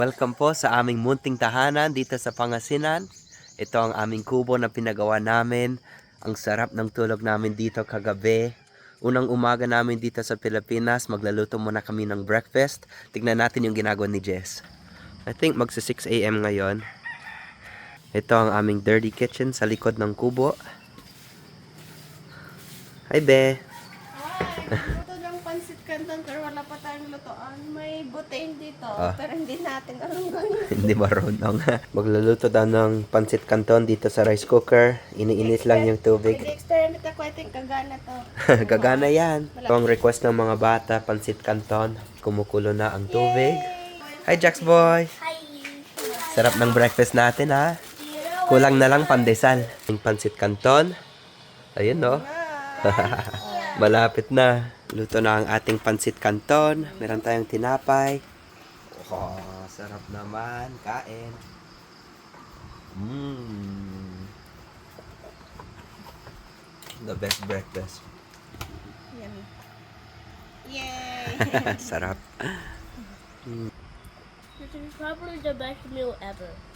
Welcome po sa aming munting tahanan dito sa Pangasinan. Ito ang aming kubo na pinagawa namin. Ang sarap ng tulog namin dito kagabi. Unang umaga namin dito sa Pilipinas, maglaluto muna kami ng breakfast. Tignan natin yung ginagawa ni Jess. I think magsa 6 AM ngayon. Ito ang aming dirty kitchen sa likod ng kubo. Hi, Be! Luto ng pansit canton pero wala pa tayong lutoan. May butane dito pero hindi natin alam gawin. Hindi marunong. Magluluto daw ng pancit canton dito sa rice cooker. Iniinit lang yung tubig. Experiment ako, I think kagana to. Gagana yan. Ito ang request ng mga bata, pancit canton. Kumukulo na ang tubig. Hi, Jax boy! Hi! Sarap ng breakfast natin, ha? Kulang na lang pandesal. Yung pancit canton. Ayun, no? Malapit na. Luto na ang ating pancit canton. Meron tayong tinapay. Oh, sarap naman. Kain. The best breakfast. Yan. Yay! Sarap. This is probably the best meal ever.